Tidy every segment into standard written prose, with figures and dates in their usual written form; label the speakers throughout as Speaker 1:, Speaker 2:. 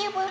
Speaker 1: Merhaba.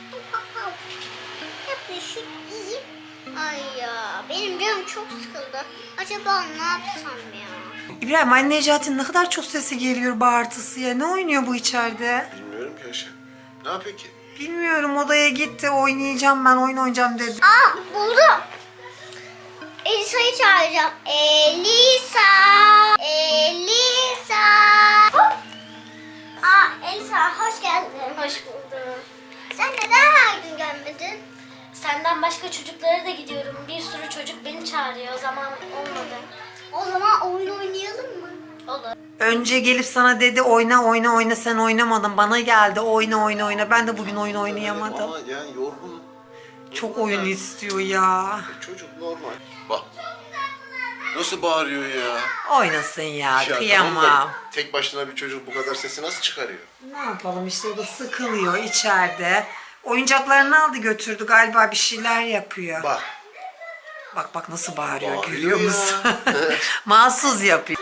Speaker 1: Yapıyorsun? İyi. Ay ya benim canım çok sıkıldı. Acaba ne yapsam ya?
Speaker 2: İbrahim, anne Necati'nin ne kadar çok sesi geliyor, bağırtısı ya. Ne oynuyor bu içeride?
Speaker 3: Bilmiyorum ki Ayşe. Ne yapıyor ki?
Speaker 2: Bilmiyorum, odaya gitti, oynayacağım ben, oyun oynayacağım dedi.
Speaker 1: Buldum. Elisa'yı çağıracağım. Elisa. Elisa. Hop. Elisa hoş geldin. Hoş buldum. Sen neden her gün gelmedin?
Speaker 4: Senden başka çocuklara da gidiyorum. Bir sürü çocuk beni çağırıyor. O zaman olmadı.
Speaker 1: O zaman oyun oynayalım mı?
Speaker 4: Olur.
Speaker 2: Önce gelip sana dedi oyna oyna oyna, sen oynamadın, bana geldi oyna oyna oyna. Ben de bugün oyun oynayamadım.
Speaker 3: Ama yani yorgun.
Speaker 2: Çok oyun istiyor ya.
Speaker 3: Çocuk normal. Bak. Nasıl bağırıyor ya?
Speaker 2: Oynasın ya,
Speaker 3: Ya
Speaker 2: kıyamam.
Speaker 3: tamam da tek başına bir çocuk bu kadar sesi nasıl çıkarıyor?
Speaker 2: Ne yapalım işte, o da sıkılıyor içeride. Oyuncaklarını aldı götürdü, galiba bir şeyler yapıyor.
Speaker 3: Bak.
Speaker 2: Bak bak nasıl bağırıyor,
Speaker 3: Bağırıyor
Speaker 2: görüyor
Speaker 3: ya.
Speaker 2: musun? Mahsus yapıyor.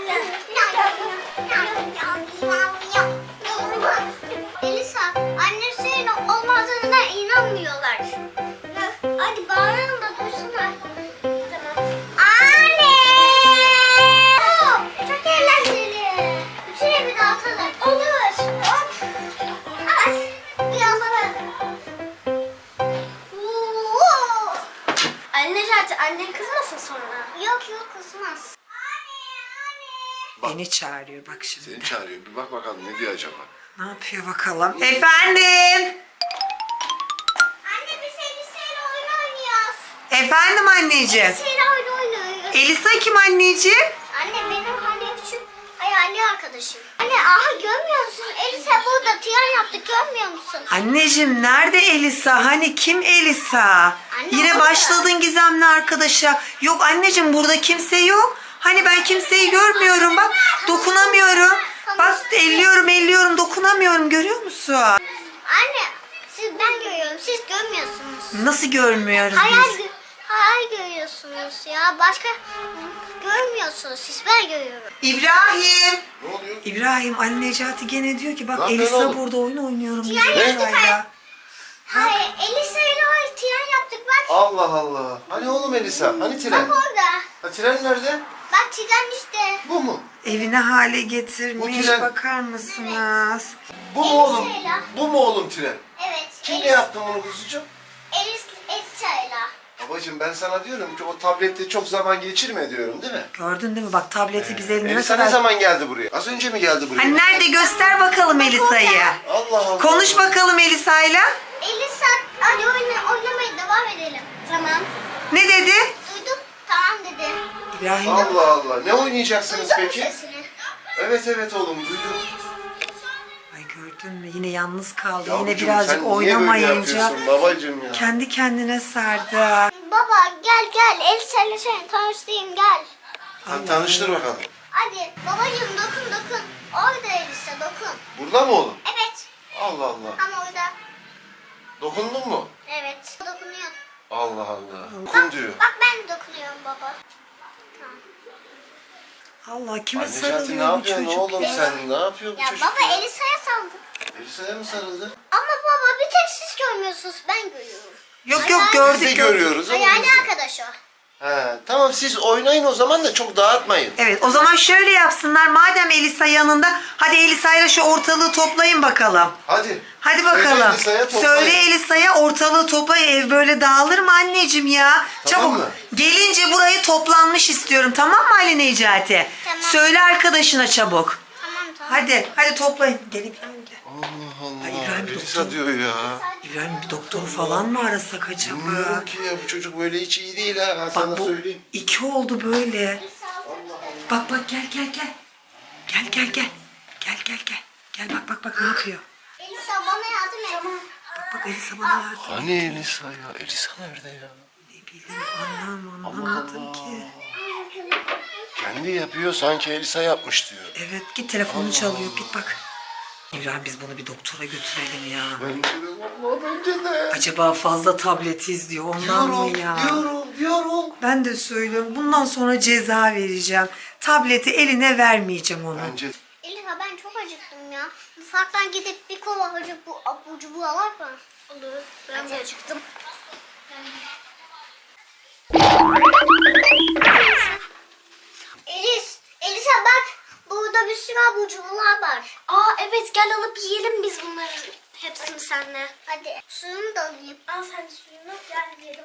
Speaker 1: Elisa, anne senin olmadığına inanmıyorlar. Hadi bağıralım da duysana. Tamam. Anne! Çok eğlenceli. Bütün evi dağıtalım. Olur. Hop. At. Biraz daha. Oo.
Speaker 4: Anne Necati, annen kızmasın sonra.
Speaker 1: Yok yok kızmaz.
Speaker 3: Bak.
Speaker 2: Beni çağırıyor bak şimdi.
Speaker 3: Seni çağırıyor. Bir bak bakalım ne diyor acaba?
Speaker 2: Ne yapıyor bakalım? Efendim?
Speaker 1: Anne biz Elisa'yla oyun oynuyoruz.
Speaker 2: Efendim anneciğim?
Speaker 1: Elisa'yla oyun oynuyoruz.
Speaker 2: Elisa kim anneciğim?
Speaker 1: Anne benim hani küçük hayali arkadaşım. Anne aha görmüyor musun? Elisa burada tiyan yaptık görmüyor musun?
Speaker 2: Anneciğim nerede Elisa? Hani kim Elisa? Yine
Speaker 1: orada.
Speaker 2: başladın gizemli arkadaşa. Yok anneciğim, burada kimse yok. Hani ben kimseyi görmüyorum, bak dokunamıyorum. Bak elliyorum dokunamıyorum, görüyor musun?
Speaker 1: Anne ben görüyorum siz görmüyorsunuz.
Speaker 2: Nasıl görmüyoruz
Speaker 1: Hayal,
Speaker 2: biz?
Speaker 1: hayal görüyorsunuz ya başka görmüyorsunuz siz ben görüyorum.
Speaker 2: İbrahim!
Speaker 3: Ne oluyor?
Speaker 2: İbrahim, anne Necati gene diyor ki bak
Speaker 3: Ne yapıyorsun
Speaker 2: Elisa
Speaker 3: oğlum?
Speaker 2: burada oyun oynuyorum diyor.
Speaker 1: Ne?
Speaker 2: Elisa'yla.
Speaker 1: Hayır Elisa'yla tiyan yaptık bak.
Speaker 3: Allah Allah. Hani oğlum Elisa? Hani tren?
Speaker 1: Bak orada.
Speaker 3: Ha, tren nerede?
Speaker 1: Bak tren işte.
Speaker 3: Bu mu?
Speaker 2: Evine hale getirmiş,
Speaker 3: Bu tren-
Speaker 2: bakar mısınız?
Speaker 3: Bu mu oğlum?
Speaker 1: Elisa'yla.
Speaker 3: Bu mu oğlum tren?
Speaker 1: Evet.
Speaker 3: Kimle yaptın bunu kuzucuğum?
Speaker 1: Elisa'yla.
Speaker 3: Babacığım ben sana diyorum ki o tablette çok zaman geçirme diyorum değil mi?
Speaker 2: Gördün değil mi? Bak tableti biz eline
Speaker 3: Elisa
Speaker 2: kadar...
Speaker 3: ne zaman geldi buraya? Az önce mi geldi buraya?
Speaker 2: Hani nerede, göster bakalım Elisa'yı.
Speaker 3: Allah Allah.
Speaker 2: Konuş bakalım Elisa'yla.
Speaker 1: Elisa hadi oynamaya devam edelim. Tamam.
Speaker 2: Ne dedi?
Speaker 1: Duydum. Tamam dedi.
Speaker 2: İbrahim.
Speaker 3: Allah Allah. Ne oynayacaksınız
Speaker 1: Duydun mu
Speaker 3: peki?
Speaker 1: sesini?
Speaker 3: Evet oğlum duydum.
Speaker 2: Ay gördün mü? Yine yalnız kaldı.
Speaker 3: Yavrucuğum,
Speaker 2: Yine birazcık
Speaker 3: sen niye böyle
Speaker 2: oynamayınca
Speaker 3: yapıyorsun babacığım ya?
Speaker 2: kendi kendine sardı.
Speaker 1: Baba gel Elisa'yla seni tanıştırayım gel.
Speaker 3: Hadi tanıştır bakalım.
Speaker 1: Hadi babacığım dokun. Orada Elisa dokun.
Speaker 3: Burada mı oğlum?
Speaker 1: Evet.
Speaker 3: Allah Allah.
Speaker 1: Ama orada.
Speaker 3: Dokundun mu?
Speaker 1: Evet. Dokunuyor.
Speaker 3: Allah Allah. Dokun diyor.
Speaker 1: Bak ben de dokunuyorum baba. Tamam.
Speaker 2: Allah, kime
Speaker 3: Anne Necati ne
Speaker 2: sarılıyor bu
Speaker 3: yapıyorsun
Speaker 2: çocuk
Speaker 3: oğlum
Speaker 2: ya?
Speaker 3: sen? Ne yapıyor bu
Speaker 1: Ya
Speaker 3: çocuk?
Speaker 1: baba Elisa'ya saldı.
Speaker 3: Elisa'ya mı sarıldı?
Speaker 1: Ama baba bir tek siz görmüyorsunuz ben görüyorum.
Speaker 2: Yok
Speaker 1: Hayal-
Speaker 3: Biz de
Speaker 2: gördük.
Speaker 3: görüyoruz oğlum.
Speaker 1: Hayali
Speaker 3: biz de.
Speaker 1: arkadaş o.
Speaker 3: He, tamam siz oynayın o zaman da çok dağıtmayın.
Speaker 2: Evet, o zaman şöyle yapsınlar. Madem Elisa yanında, hadi Elisa'yla şu ortalığı toplayın bakalım.
Speaker 3: Hadi.
Speaker 2: Hadi
Speaker 3: Söyle
Speaker 2: bakalım.
Speaker 3: Elisa'ya toplayın.
Speaker 2: Söyle Elisa'ya ortalığı toplayın. Ev böyle dağılır mı anneciğim ya?
Speaker 3: Tamam
Speaker 2: Çabuk.
Speaker 3: mı?
Speaker 2: Gelince burayı toplanmış istiyorum. Tamam mı Ali Necati?
Speaker 1: Tamam.
Speaker 2: Söyle arkadaşına çabuk.
Speaker 1: Tamam.
Speaker 2: Hadi toplayın. Gel İbrahim gel.
Speaker 3: Allah Allah.
Speaker 2: Ay, İbrahim bir
Speaker 3: Elisa
Speaker 2: doktor.
Speaker 3: diyor ya.
Speaker 2: İbrahim bir doktor falan mı arasak acaba?
Speaker 3: Bilmiyorum ki ya bu çocuk böyle hiç iyi değil ha. Ben sana
Speaker 2: Bak bu
Speaker 3: söyleyeyim.
Speaker 2: 2 oldu böyle. Bak gel. Gel. Gel bak ne yapıyor?
Speaker 1: Elisa bana yardım et.
Speaker 2: Bak Elisa bana yardım.
Speaker 3: Hani Elisa ya? Elisa nerede ya?
Speaker 2: Ne bileyim anlamadım ki.
Speaker 3: Kendi yapıyor sanki Elisa yapmış diyor.
Speaker 2: Evet, git telefonunu çalıyor, git bak. İbrahim, biz bunu bir doktora götürelim ya.
Speaker 3: Bence de valla bence de.
Speaker 2: Acaba fazla tablet izliyor ondan mı ya?
Speaker 3: Diyorum.
Speaker 2: Ben de söylüyorum, bundan sonra ceza vereceğim. Tableti eline vermeyeceğim ona.
Speaker 3: Bence
Speaker 1: Elisa ben çok acıktım ya. Mutfaktan gidip bir kova acık bu Ucu bu alak mı?
Speaker 4: Olur. Ben de acıktım.
Speaker 1: Elisa bak. Burada bir sürü abur cuburlar var.
Speaker 4: Aa evet, gel alıp yiyelim biz bunları. Hepsini seninle.
Speaker 1: Hadi suyunu da alayım.
Speaker 4: Al sen de suyunu, gel yiyelim.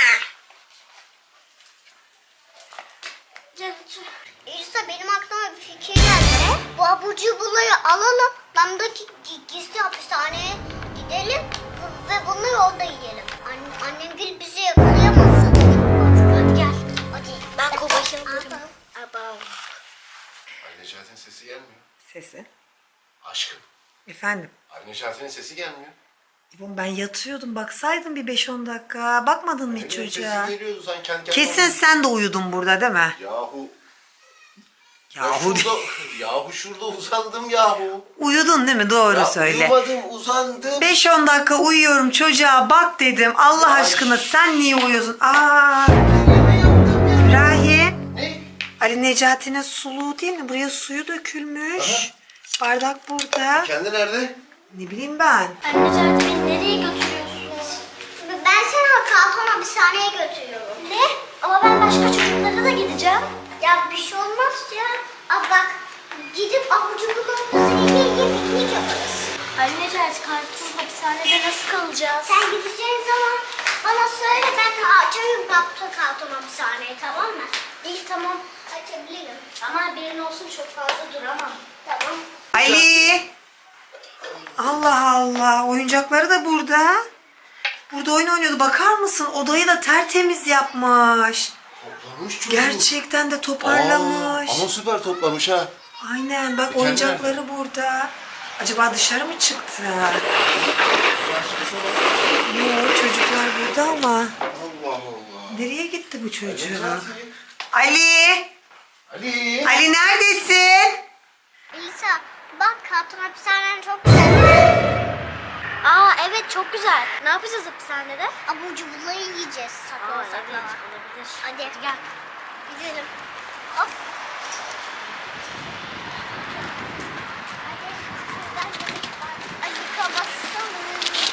Speaker 4: Gel otur.
Speaker 1: Elisa benim aklıma bir fikir geldi. Bu abur cuburları alalım. Damdaki gizli hapishaneye gidelim. Ve bunları orada yiyelim. Annem gül bizi yakalayamasın.
Speaker 4: Hadi gel.
Speaker 1: Hadi.
Speaker 4: Ben kovayı alırım.
Speaker 1: Aba.
Speaker 3: Anne Necati'nin sesi gelmiyor.
Speaker 2: Sesi.
Speaker 3: Aşkım.
Speaker 2: Efendim.
Speaker 3: Anne Necati'nin sesi gelmiyor.
Speaker 2: İbom ben yatıyordum, baksaydın bir 5-10 dakika. Bakmadın mı hiç
Speaker 3: Benim
Speaker 2: çocuğa?
Speaker 3: sesi geliyordu sen kendi kendine.
Speaker 2: Kesin sen de uyudun burada değil mi?
Speaker 3: Yahu.
Speaker 2: Yahu
Speaker 3: Yahu şurada uzandım yahu.
Speaker 2: uyudun değil mi? Doğru
Speaker 3: Ya,
Speaker 2: söyle.
Speaker 3: uyumadım uzandım.
Speaker 2: 5-10 dakika uyuyorum çocuğa bak dedim. Allah
Speaker 3: Ya,
Speaker 2: aşkına sen niye uyuyorsun? Aa,
Speaker 3: Ne yaptım ya?
Speaker 2: İbrahim.
Speaker 3: Ne?
Speaker 2: Ali Necati'nin suluğu değil mi? Buraya suyu dökülmüş.
Speaker 3: Aha.
Speaker 2: Bardak burada.
Speaker 3: Kendi nerede?
Speaker 2: Ne bileyim ben.
Speaker 4: Anne Necati, beni nereye götürüyorsunuz?
Speaker 1: Ben seni karton hapishaneye götürüyorum.
Speaker 4: Ne? Ama ben başka çocuklara da gideceğim.
Speaker 1: Ya bir şey olmaz ya. Aa bak gidip abur cuburlarımızı yiye piknik yaparız.
Speaker 4: Anne Necati, karton hapishanede nasıl kalacağız?
Speaker 1: Sen gideceğin zaman bana söyle ben açarım karton hapishaneyi tamam mı?
Speaker 4: İyi tamam.
Speaker 1: Açabilirim.
Speaker 4: Ama haberin olsun, çok fazla duramam.
Speaker 1: Tamam.
Speaker 2: Ali. Allah Allah. Oyuncakları da burada. Burada oyun oynuyordu. Bakar mısın? Odayı da tertemiz yapmış.
Speaker 3: Toplamış çocuğu.
Speaker 2: Gerçekten de toparlamış.
Speaker 3: Ama süper toplamış ha.
Speaker 2: Aynen bak oyuncakları burada. Acaba dışarı mı çıktı? Yok çocuklar burada ama.
Speaker 3: Allah Allah.
Speaker 2: Nereye gitti bu çocuğu?
Speaker 3: Necati.
Speaker 2: Ali!
Speaker 3: Ali.
Speaker 2: Ali neredesin?
Speaker 1: Elisa bak karton hapishanen çok güzel.
Speaker 4: Aa evet, çok güzel. Ne yapacağız hapishanede?
Speaker 1: Abur cuburları yiyeceğiz sakla
Speaker 4: Aa
Speaker 1: sakla.
Speaker 4: evet, olabilir.
Speaker 1: Hadi.
Speaker 4: Gel.
Speaker 1: Gidelim. Hop. Hadi. Şuradan ayıka basalım.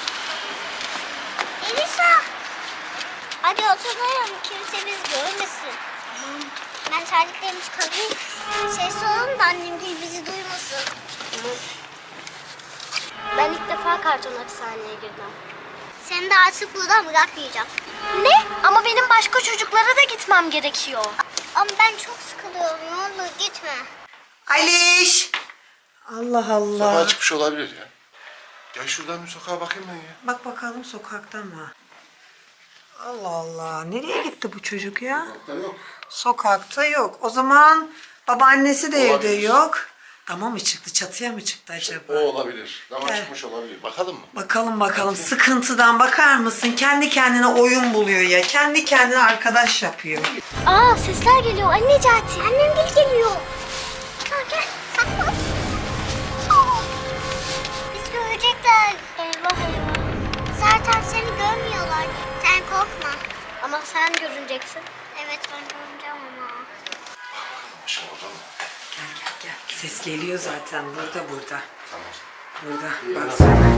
Speaker 1: Elisa. Hadi oturalım. Kimse biz görmesin. Ben terliklerimi çıkarayım. Ses olun da annem değil bizi duymasın.
Speaker 4: Ben ilk defa karton hapishaneye girdim.
Speaker 1: Seni de artık buradan bırakmayacağım.
Speaker 4: Ne? Ama benim başka çocuklara da gitmem gerekiyor.
Speaker 1: Ama ben çok sıkılıyorum. Ne olur gitme.
Speaker 2: Aliş! Allah Allah.
Speaker 3: Sokağa çıkmış olabilir ya. Gel şuradan bir sokağa bakayım ben ya.
Speaker 2: Bak bakalım sokakta mı? Allah Allah. Nereye gitti bu çocuk ya?
Speaker 3: Sokakta yok.
Speaker 2: Sokakta yok. O zaman babaannesi de evde
Speaker 3: Olabilir.
Speaker 2: yok. Dama mı çıktı? Çatıya mı çıktı acaba?
Speaker 3: O olabilir. Dama
Speaker 2: Gel.
Speaker 3: çıkmış olabilir. Bakalım mı?
Speaker 2: Bakalım bakalım. Sıkıntıdan bakar mısın? Kendi kendine oyun buluyor ya. Kendi kendine arkadaş yapıyor.
Speaker 4: Aa, sesler geliyor. Anne Necati.
Speaker 1: Annem geliyor. Gel gel saklan. Aa, biz görecekler.
Speaker 4: Eyvah eyvah.
Speaker 1: Zaten seni görmüyorlar. Sen korkma.
Speaker 4: Ama sen görüneceksin.
Speaker 1: Evet ben göreceğim ama.
Speaker 3: Başım orada mı?
Speaker 2: Gel gel gel. Ses geliyor zaten. Burada.
Speaker 3: Tamam.
Speaker 2: Burada. Baksana.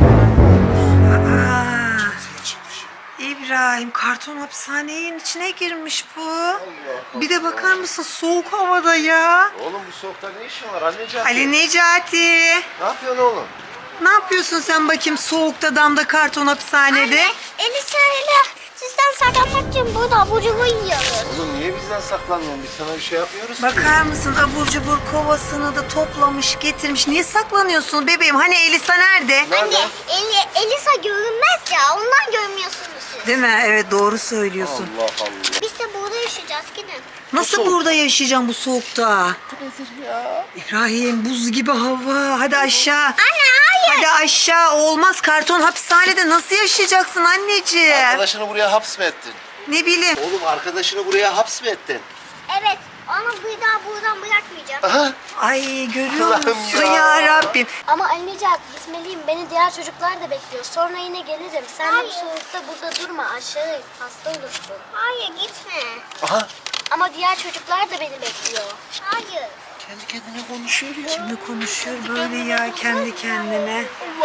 Speaker 2: Aa,
Speaker 3: Sen çıkmış.
Speaker 2: İbrahim karton hapishanenin içine girmiş bu.
Speaker 3: Allah
Speaker 2: Bir de bakar mısın soğuk havada ya.
Speaker 3: Oğlum bu soğukta ne işin var anne Necati?
Speaker 2: Ali Necati.
Speaker 3: Ne yapıyorsun oğlum?
Speaker 2: Ne yapıyorsun sen bakayım soğukta damda karton hapishanede?
Speaker 1: Anne, Elisa ile sizden saklanmak için burada abur cubur yiyoruz.
Speaker 3: Oğlum niye bizden saklanmıyorsun? Biz sana bir şey yapmıyoruz ki.
Speaker 2: Bakar mısın abur cubur kovasını da toplamış getirmiş. Niye saklanıyorsun bebeğim? Hani Elisa nerede?
Speaker 3: Nerede?
Speaker 1: Anne, Elisa görünmez ya. Ondan görmüyorsunuz siz.
Speaker 2: Değil mi? Evet doğru söylüyorsun.
Speaker 3: Allah Allah.
Speaker 1: Biz de burada yaşayacağız. Gidin.
Speaker 2: Nasıl
Speaker 3: soğuk.
Speaker 2: burada yaşayacağım bu soğukta?
Speaker 3: Nedir ya?
Speaker 2: İbrahim buz gibi hava. Hadi aşağı.
Speaker 1: Anne hayır.
Speaker 2: Hadi aşağı. Olmaz karton hapishanede nasıl yaşayacaksın anneciğim?
Speaker 3: Arkadaşını buraya haps mı ettin?
Speaker 2: Ne bileyim.
Speaker 3: Oğlum arkadaşını buraya haps mı ettin?
Speaker 1: Evet. Onu bir daha buradan bırakmayacağım.
Speaker 3: Aha.
Speaker 2: Ay görüyor
Speaker 3: Allah'ım
Speaker 2: musun
Speaker 3: ya.
Speaker 2: ya Rabbim?
Speaker 4: Ama anne Necati, gitmeliyim. Beni diğer çocuklar da bekliyor. Sonra yine gelirim. Sen de bu
Speaker 1: Hayır.
Speaker 4: soğukta burada durma. Aşağı in, hasta olursun.
Speaker 1: Hayır gitme.
Speaker 3: Aha.
Speaker 4: Ama diğer çocuklar da beni bekliyor.
Speaker 1: Hayır.
Speaker 3: Kendi kendine konuşuyor ya.
Speaker 2: Kimle konuşuyor böyle ya kendi kendine?
Speaker 3: Allah'ım.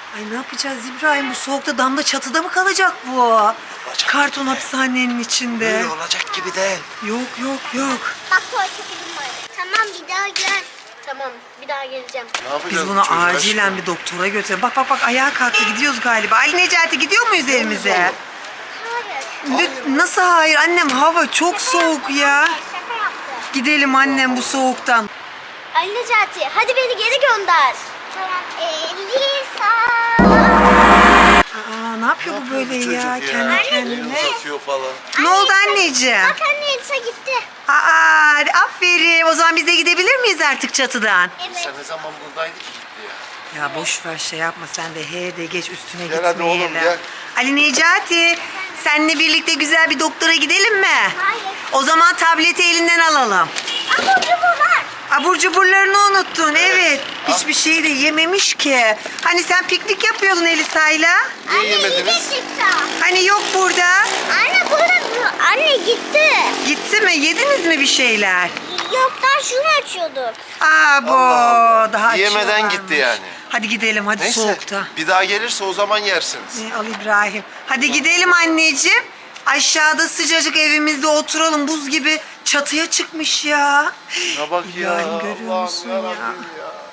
Speaker 2: Ay ne yapacağız İbrahim? Bu soğukta damda çatıda mı kalacak bu? Karton
Speaker 3: gibi.
Speaker 2: hapishanenin içinde.
Speaker 3: Böyle olacak gibi değil.
Speaker 2: Yok.
Speaker 1: Bak tuvalete gidin var. Tamam bir daha gel.
Speaker 4: Tamam bir daha geleceğim.
Speaker 3: Ne yapacağız
Speaker 2: Biz
Speaker 3: bu
Speaker 2: bunu
Speaker 3: çocuğa
Speaker 2: acilen
Speaker 3: şimdi?
Speaker 2: bir doktora götürelim. Bak ayağa kalktı, gidiyoruz galiba. Ali Necati gidiyor muyuz evimize?
Speaker 1: Hayır.
Speaker 2: Nasıl hayır annem, hava çok soğuk ya.
Speaker 1: Şaka yaptı.
Speaker 2: Gidelim annem bu soğuktan.
Speaker 4: Ali Necati hadi beni geri gönder.
Speaker 1: Tamam. Elisa.
Speaker 2: Aa, ne yapıyor bu böyle ya kendi kendine?
Speaker 3: Elini uzatıyor falan.
Speaker 2: Ne oldu anneciğim?
Speaker 1: Bak anne Elisa gitti.
Speaker 2: Aa, aferin. O zaman biz de gidebilir miyiz artık çatıdan?
Speaker 1: Evet.
Speaker 3: Sen ne zaman buradaydık ki gitti ya?
Speaker 2: Ya boş ver şey yapma sen de he de geç üstüne
Speaker 3: Gel hadi oğlum,
Speaker 2: gitmeyelim.
Speaker 3: gel.
Speaker 2: Ali Necati seninle birlikte güzel bir doktora gidelim mi?
Speaker 1: Hayır.
Speaker 2: O zaman tableti elinden alalım.
Speaker 1: Ama bu var.
Speaker 2: Abur cuburlarını unuttun evet. Hiçbir şeyi de yememiş ki. Hani sen piknik yapıyordun Elisa'yla.
Speaker 3: Niye
Speaker 1: Anne
Speaker 3: yemediniz?
Speaker 1: gitti.
Speaker 2: Hani yok burada.
Speaker 1: Anne burada. Anne gitti.
Speaker 2: Gitti mi? Yediniz mi bir şeyler?
Speaker 1: Yok daha şunu açıyorduk.
Speaker 2: Aa bu
Speaker 3: Allah.
Speaker 2: daha
Speaker 3: Yemeden
Speaker 2: açıyorlarmış.
Speaker 3: gitti yani.
Speaker 2: Hadi gidelim hadi
Speaker 3: Neyse
Speaker 2: soğukta.
Speaker 3: bir daha gelirse o zaman yersiniz.
Speaker 2: Al İbrahim. Hadi gidelim anneciğim. Aşağıda sıcacık evimizde oturalım. Buz gibi çatıya çıkmış ya.
Speaker 3: Ne bak ya.
Speaker 2: İbrahim görüyor
Speaker 3: Allah'ım
Speaker 2: musun ya?
Speaker 3: yarabbim ya.